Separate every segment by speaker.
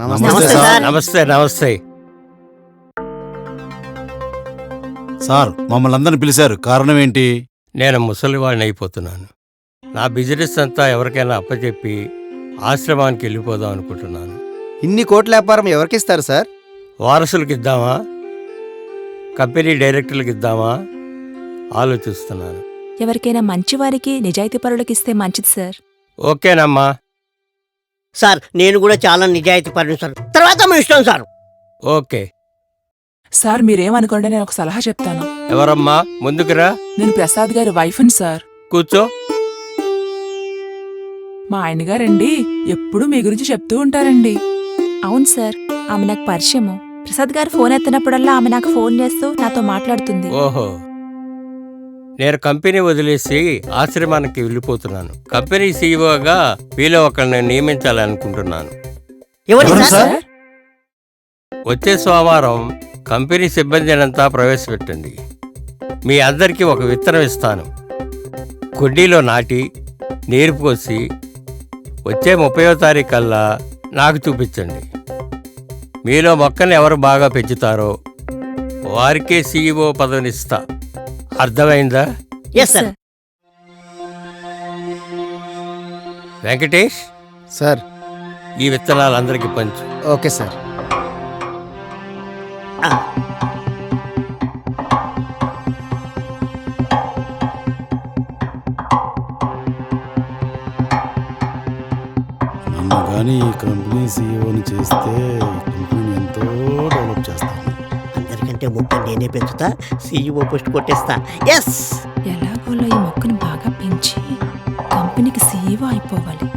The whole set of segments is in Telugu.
Speaker 1: నమస్తే నమస్తే
Speaker 2: సార్, మమ్మల్ని అందరిని పిలిచారు, కారణం ఏంటి?
Speaker 1: నేను ముసలివాడిని అయిపోతున్నాను. నా బిజినెస్ అంతా ఎవరికైనా అప్పచెప్పి ఆశ్రమానికి వెళ్ళిపోదాం అనుకుంటున్నాను.
Speaker 3: ఇన్ని కోట్ల వ్యాపారం ఎవరికిస్తారు సార్?
Speaker 1: వారసులకు ఇద్దామా, కంపెనీ డైరెక్టర్లకు ఇద్దామా ఆలోచిస్తున్నాను.
Speaker 4: ఎవరికైనా మంచివారికి నిజాయితీ పరులకు ఇస్తే మంచిది సార్.
Speaker 1: ఓకేనమ్మా.
Speaker 5: సార్ నేను కూడా చాలా నిజాయితీ పరుని సార్, తర్వాత మీ ఇష్టం సార్.
Speaker 1: ఓకే
Speaker 6: సార్ మీరేమనుకోండి, నేను ఒక సలహా చెప్తాను.
Speaker 1: ఎవరమ్మా? ముందుకురా.
Speaker 6: నేను ప్రసాద్ గారి వైఫ్ని సార్.
Speaker 1: కూర్చో.
Speaker 6: మా ఆయన గారండి ఎప్పుడూ మీ గురించి చెప్తూ ఉంటారండి.
Speaker 4: అవును సార్, ఆమె నాకు పరిచయము. ప్రసాద్ గారు ఫోన్ ఎత్తినప్పుడల్లా ఆమె నాకు ఫోన్ చేస్తూ నాతో మాట్లాడుతుంది.
Speaker 1: ఓహో, నేను కంపెనీ వదిలేసి ఆశ్రమానికి వెళ్ళిపోతున్నాను. కంపెనీ సీఈఓగా వీలో ఒకరిని నియమించాలనుకుంటున్నాను.
Speaker 5: ఎవరు సార్?
Speaker 1: వచ్చే సోమవారం కంపెనీ సిబ్బందినంతా ప్రవేశపెట్టండి. మీ అందరికీ ఒక విత్తనం ఇస్తాను. కుండీలో నాటి నీరు పోసి వచ్చే 30వ తారీఖు కల్లా నాకు చూపించండి. మీలో మొక్కని ఎవరు బాగా పెంచుతారో వారికే సీఈఓ పదవినిస్తా. అర్థమైందా?
Speaker 5: Yes sir.
Speaker 1: వెంకటేష్,
Speaker 3: సార్.
Speaker 1: ఈ విత్తనాలు అందరికీ పంచు.
Speaker 3: Okay sir.
Speaker 2: నన్ను కానీ ఈ కంపెనీ సీఈఓని చేస్తే ఈ కంపెనీని ఎంతో డెవలప్ చేస్తాను.
Speaker 5: అందరికంటే మొక్క నేనే పెంచుతా, సీఈఓ పోస్ట్ కొట్టేస్తా. ఎస్.
Speaker 4: ఎలాగోలో ఈ మొక్కను బాగా పెంచి కంపెనీకి సీఈఓ అయిపోవాలి.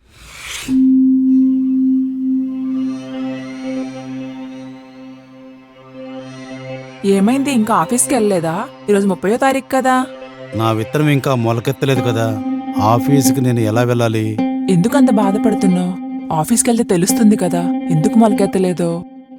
Speaker 6: ఏమైంది, ఇంకా ఆఫీస్కి వెళ్ళలేదా? ఈరోజు 30వ తారీఖు కదా.
Speaker 2: నా విత్తనం ఇంకా మొలకెత్తలేదు కదా, ఆఫీస్కి నేను ఎలా వెళ్ళాలి?
Speaker 6: ఎందుకంత బాధపడుతున్నావు? ఆఫీస్కి వెళ్తే తెలుస్తుంది కదా ఎందుకు మొలకెత్తలేదో.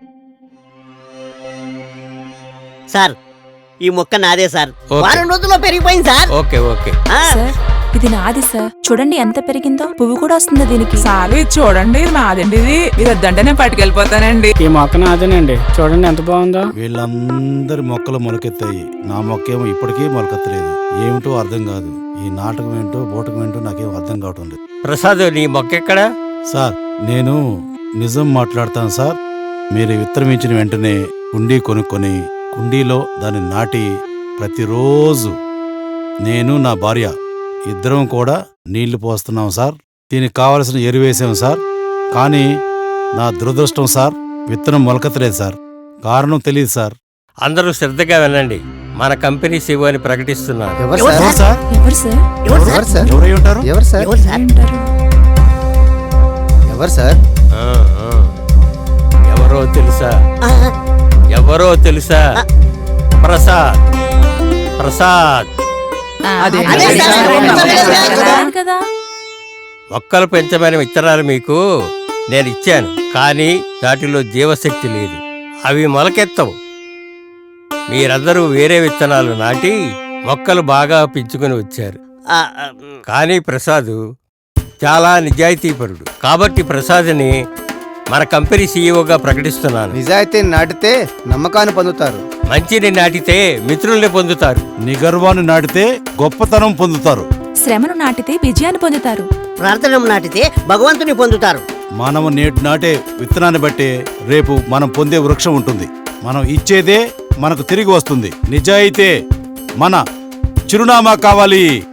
Speaker 5: సార్ ఈ మొక్క నాదే సార్.
Speaker 1: ఓకే.
Speaker 5: వారం రోజుల్లో పెరిగిపోయింది సార్.
Speaker 1: Okay okay.
Speaker 4: సార్, ఇది నాది సార్. చూడండి ఎంత పెరిగిందో. పువ్వు కూడా వస్తుంది దీనికి.
Speaker 6: సార్ ఇది చూడండి, ఇది నాదండి. ఇది మీరు వద్దంటే నేను పట్టుకెళ్ళిపోతానండి.
Speaker 7: ఈ మొక్క నాదేనండి, చూడండి ఎంత బాగుందో.
Speaker 2: వీళ్ళందరి మొక్కలు మొలకెత్తాయి, నా మొక్క ఏమో ఇప్పటికీ మొలకెత్తలేదు. ఏమిటో అర్థం కాదు. ఈ నాటకం ఏంటో బోటకం ఏంటో నాకేం అర్థం కావటం లేదు.
Speaker 1: ప్రసాద్, నీ మొక్క ఎక్కడా?
Speaker 2: సార్, నేను నిజం మాట్లాడతాను సార్. మీరు విత్తనం ఇచ్చిన వెంటనే కుండీ కొనుక్కొని కుండీలో దాన్ని నాటి ప్రతిరోజు నేను నా భార్య ఇద్దరం కూడా నీళ్లు పోస్తున్నాం సార్. దీనికి కావలసిన ఎరువేసాం సార్. కానీ నా దురదృష్టం సార్, విత్తనం మొలకెత్తలేదు సార్. కారణం తెలియదు సార్.
Speaker 1: అందరూ శ్రద్ధగా వినండి. మన కంపెనీ సీఈఓని ప్రకటిస్తున్నారు.
Speaker 3: ఎవరు
Speaker 5: ఎవరు
Speaker 3: సార్?
Speaker 2: సార్?
Speaker 4: ఎవరు సార్?
Speaker 5: ఎవరు
Speaker 3: ఎవరు
Speaker 5: సార్?
Speaker 3: సార్?
Speaker 2: ఎవరై ఉంటారు?
Speaker 3: ఎవరు సార్?
Speaker 5: ఎవరు సార్?
Speaker 4: ఉంటారు?
Speaker 3: ఎవరు సార్?
Speaker 1: ఆ, ఆ. ఎవరో తెలుసా? ఎవరో తెలుసా? ప్రసాద్. ప్రసాద్.
Speaker 6: అదే
Speaker 5: అదే సార్.
Speaker 4: అవును కదా.
Speaker 1: మొక్కలు పెంచమని విత్తనాలు మీకు నేను ఇచ్చాను, కానీ వాటిలో జీవశక్తి లేదు. అవి మొలకెత్తవు. మీరందరూ వేరే విత్తనాలు నాటి మొక్కలు బాగా పెంచుకుని వచ్చారు. కానీ ప్రసాద్ చాలా నిజాయితీపరుడు. కాబట్టి ప్రసాద్ని మన కంపెనీ సీఈఓగా ప్రకటిస్తున్నాను.
Speaker 3: నిజాయితీని నాటితే నమ్మకాన్ని పొందుతారు.
Speaker 1: మంచిని నాటితే మిత్రుల్ని పొందుతారు.
Speaker 2: నిగర్వాన్ని నాటితే గొప్పతనం పొందుతారు.
Speaker 4: శ్రమను నాటితే విజయాన్ని పొందుతారు.
Speaker 5: ప్రార్థన నాటితే భగవంతుని పొందుతారు.
Speaker 2: మనము నేటి నాటే విత్తనాన్ని బట్టే రేపు మనం పొందే వృక్షం ఉంటుంది. మనం ఇచ్చేదే మనకు తిరిగి వస్తుంది. నిజాయితే మన చిరునామా కావాలి.